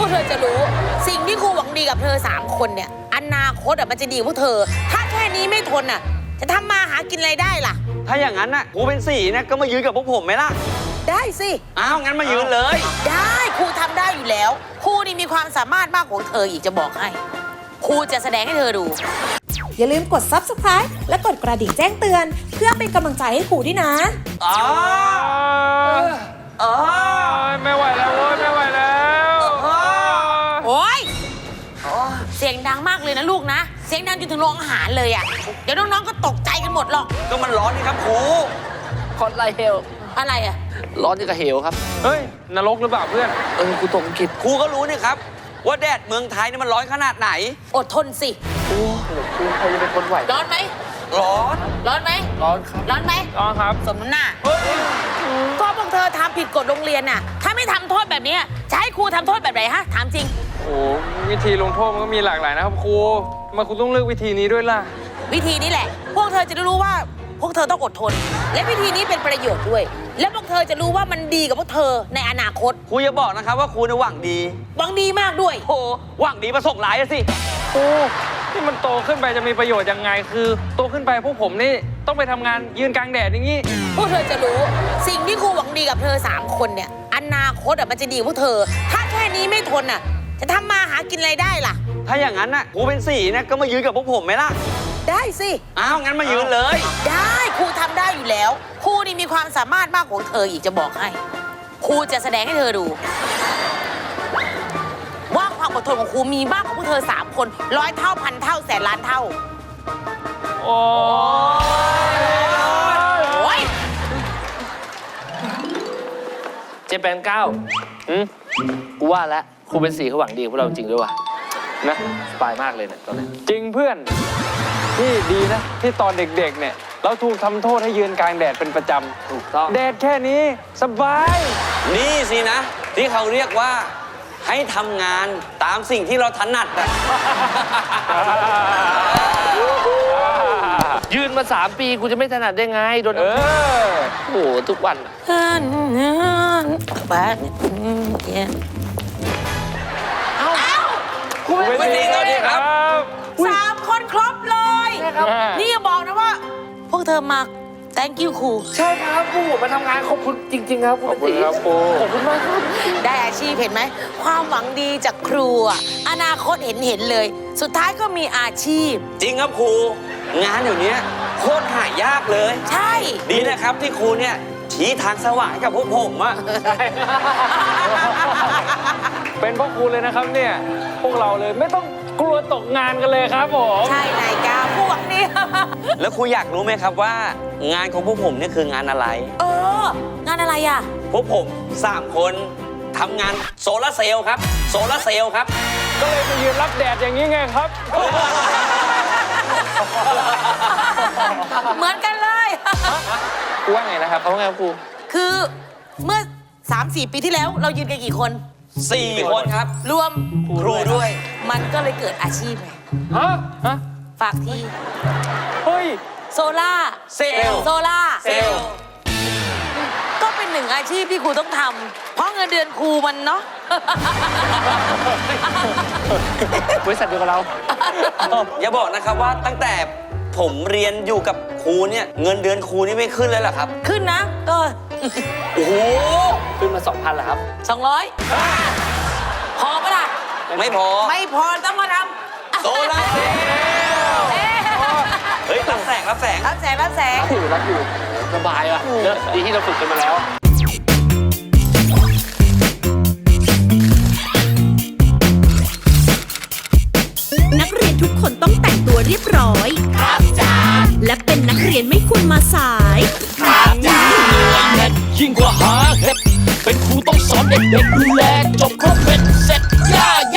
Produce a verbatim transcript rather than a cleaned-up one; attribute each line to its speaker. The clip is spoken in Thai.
Speaker 1: เธอจะรู้สิ่งที่ครูหวังดีกับเธอสามคนเนี่ยอนาคตอ่ะมันจะดีพวกเธอถ้าแค่นี้ไม่ทนอ่ะจะทำมาหากินอะไรได้ล่ะ
Speaker 2: ถ้าอย่างนั้นน่ะครูเป็นสี่นะก็มายืนกับพวกผมไหมล่ะ
Speaker 1: ได้สิ
Speaker 2: อ้าวงั้นมายืนเลย
Speaker 1: ได้ครูทำได้อยู่แล้วครูนี่มีความสามารถมากกว่าเธออีกจะบอกให้ครูจะแสดงให้เธอดู
Speaker 3: อย่าลืมกด ซับสไครบ์ และกดกระดิ่งแจ้งเตือนเพื่อเป็นกำลังใจให้ครูด้วยนะ
Speaker 2: อ๋ออ๋อ
Speaker 4: ไม่ไหวแล้วโว้ยไม่ไหวแล้ว
Speaker 1: โอ๊ยเสียงดังมากเลยนะลูกนะเสียงดังจนถึงโรงอาหารเลยอ่ะเดี๋ยวน้องๆก็ตกใจกันหมดหรอก
Speaker 2: ก็มันร้อนนี่ครับครู
Speaker 5: คอนไลเฮล
Speaker 1: อะไรอ่ะ
Speaker 5: ร้อนอย่างกับเหวครับ
Speaker 4: เฮ้ยนรกหรือเปล่าเพื่อน
Speaker 5: เออกูตกอังกฤษ
Speaker 2: ครูก็รู้นี่ครับว่าแดดเมืองไทยนี่มันร้อนขนาดไหน
Speaker 1: อดทนสิ
Speaker 5: โอ้ครูใครจะเป็นคนไหว
Speaker 1: ร้อนไหม
Speaker 2: ร้อน
Speaker 1: ร้อนไหม
Speaker 5: ร้อนครับ
Speaker 1: ร้อนไหม
Speaker 4: ร้อนครับ
Speaker 1: สมน้ำหน้าก็พวกเธอทำผิดกฎโรงเรียนน่ะถ้าไม่ทำโทษแบบนี้จะให้ครูทำโทษแบบไหนฮะถามจริง
Speaker 4: โอ้วิธีลงโทษมันก็มีหลากหลายนะครับครูมาครูต้องเลือกวิธีนี้ด้วยล่ะ
Speaker 1: วิธีนี้แหละพวกเธอจะรู้ว่าพวกเธอต้องอดทนและวิธีนี้เป็นประโยชน์ด้วยและพวกเธอจะรู้ว่ามันดีกับพวกเธอในอนาคต
Speaker 2: ครูอย่าบอกนะครับว่าครูเนี่ยหวังดี
Speaker 1: หวังดีมากด้วย
Speaker 2: โอ้หวังดีประสงค์ร้ายสิ
Speaker 4: ครูที่มันโตขึ้นไปจะมีประโยชน์ยังไงคือโตขึ้นไปพวกผมนี่ต้องไปทำงานยืนกลางแดดอย่างนี้
Speaker 1: พวกเธอจะรู้สิ่งที่ครูหวังดีกับเธอสามคนเนี่ยอนาคตอ่ะมันจะดีพวกเธอถ้าแค่นี้ไม่ทนอ่ะจะทำมาหากินอะไรได้ล่ะ
Speaker 2: ถ้าอย่างนั้นน่ะครูเป็นสี่นะก็มายืนกับพวกผมไหมล่ะ
Speaker 1: ได้สิ
Speaker 2: อ้าวงั้นมายืนเลย
Speaker 1: ได้ครูทำได้อยู่แล้วครูนี่มีความสามารถมากกว่าเธออีกจะบอกให้ครูจะแสดงให้เธอดูว่าความอดทนของครูมีมากกว่าพวกเธอสามคนร้อยเท่าพันเท่าแสนล้านเท่า
Speaker 4: โอ้
Speaker 1: ย
Speaker 5: เจแปนเก้าอืมกูว่าแล้วครูเป็นสีเขาหวังดีกับพวกเราจริงด้วยว่ะนะสบายมากเลยเนี่ยตอนนี้
Speaker 4: จริงเพื่อนที่ดีนะที่ตอนเด็กๆเนี่ยเราถูกทำโทษให้ยืนกลางแดดเป็นประจำ
Speaker 5: ถูกต้อง
Speaker 4: แดดแค่นี้สบาย
Speaker 2: นี่สินะที่เขาเรียกว่าให้ทำงานตามสิ่งที่เราถนัดอะ
Speaker 5: ยืนมาสามปีกูจะไม่ถนัดได้ไงโดนโอ้โหทุกวัน
Speaker 1: บ้านเอา
Speaker 2: คุณไม่ดีตอนนี้ครับ
Speaker 1: สามคนครบเลยนี่อย่าบอกนะว่าพวกเธอมา thank you ครู
Speaker 5: ใช่ครับครูผมมาทำงานขอบคุณจริงๆครับ
Speaker 4: ขอบคุณครับครู
Speaker 5: ขอบคุณมากครับ
Speaker 1: ได้อาชีพเห็นไหมความหวังดีจากครูอนาคตเห็นเห็นเลยสุดท้ายก็มีอาชีพ
Speaker 2: จริงครับครูงานอยู่เนี้ยโคตรหายากเลย
Speaker 1: ใช่
Speaker 2: ดีนะครับที่ครูเนี่ยชี้ทางสว่างกับพวกผมอะ
Speaker 4: เป็นพวกครูเลยนะครับเนี่ยพวกเราเลยไม่ต้องกลัวตกงานกันเลยครับผม
Speaker 1: ใช่นายกาพวกนี้
Speaker 2: แล้วครูอยากรู้ไหมครับว่างานของพวกผมเนี่ยคืองานอะไร
Speaker 1: เอองานอะไรอะ
Speaker 2: พวกผมสามคนทำงานโซลาร์เซลล์ครับโซลาร์เซลล์ครับ
Speaker 4: ก็เลยไปยืนรับแดดอย่างนี้ไงครับ
Speaker 1: เหมือนกันเลย
Speaker 4: ครูว่าไงนะครับเขาว่าไงครับครู
Speaker 1: คือเมื่อ สามสี่ ปีที่แล้วเรายืนกันกี่คน
Speaker 2: สี่คนครับ
Speaker 1: รวม
Speaker 2: ครูด้วย
Speaker 1: มันก็เลยเกิดอาชีพไง
Speaker 4: ฮะฮะ
Speaker 1: ฝากที่
Speaker 4: เฮ้ย
Speaker 1: โซล่า
Speaker 2: เซลล์
Speaker 1: โซล่า
Speaker 2: เซลล์
Speaker 1: ก็เป็นหนึ่งอาชีพที่ครูต้องทำเพราะเงินเดือนครูมันเนาะ
Speaker 5: บริษัทเดียวกับเรา
Speaker 2: อย่าบอกนะครับว่าตั้งแต่ผมเรียนอยู่กับครูเนี่ยเงินเดือนครูนี่ไม่ขึ้นเลยเหรอครับ
Speaker 1: ขึ้นนะก็
Speaker 2: โอ้โห
Speaker 5: ขึ้นมาสองพันเหรอครับ
Speaker 1: สองร้อยพอปะล่ะ
Speaker 2: ไม่พอ
Speaker 1: ไม่พอต้องมาทำ
Speaker 2: โซลาร์เซลล์เฮ้ยรับแสงรับแสง
Speaker 1: รับแสงรับแสง
Speaker 5: อยู่รับอยู่สบายอ่ะเนอะดีที่เราฝึกกันมาแล้ว
Speaker 3: นักเรียนทุกคนต้องแต่งตัวเรียบร้อยครับจ้าและเป็นนักเรียนไม่ควรมาสายครับจ้า
Speaker 6: ยิ่งกว่าหาเห็ดเป็นครูต้องสอนเด็กๆดูแลจบครบเป็นเสร็จย่า